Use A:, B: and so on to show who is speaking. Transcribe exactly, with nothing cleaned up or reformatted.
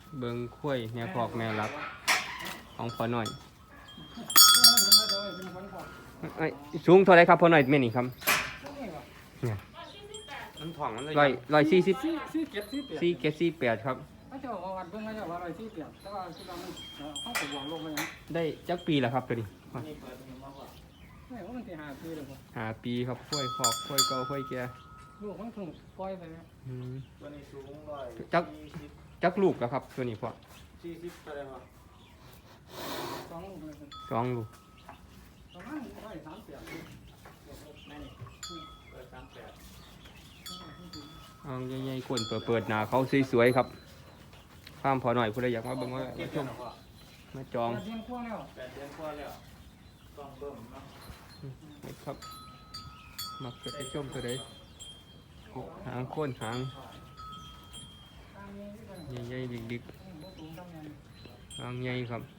A: เบิ่งคุ้ยแม่พอกแม่รักของพ่อหน่อยไอ้สูงเท่าไรครับพ่อหน่อยแม่นี่ครับเนี่ยมันถ่องมันเลยร้อยร้อยสี่สิบสี่เจ็ดสี่เจ็ดสี่แปดครับ
B: ไม่เจ้าว่าวันเพิ่งไม่เจ้าว่าร้อยสี่เปียกแต่ว่าคือเรามันเข้าไปวางลงไปยัง
A: ได้จักปีแล้วครับตัวนี้
B: ไม่ว่ามันที่หาปีเลยครับ
A: หาปีครับคุ้ยขอบคุ้ยเก่าคุ้ยแก่
B: ลูกมันถูกปล่อยไปแล้ว
C: ตัวนี้สูงร้อย
A: จักจักลูกแล้วครับตัวนี้พ่อ
C: สี่สิบเท่าไรวะ
B: สองลูกเลย
A: สองลูก
B: ประมาณร้อยสามเปียก
C: นั่นนี่ร้อยสามแปด
A: เอาใหญ่ๆก้นเปิดๆหน้าเขาสวยๆครับข้ามพอหน่อยผู้ใดอยากมาเบิ่งว่ามาชมมาจอง
B: แปดเดือนกว่าแล้ว
C: แปดเดือนกว่าแล้วต้องเบิ่มเนาะ
A: นี่ครับมักจะไปชมตัวใดหางโค้นหางใหญ่ๆดิกๆหางใหญ่ครับ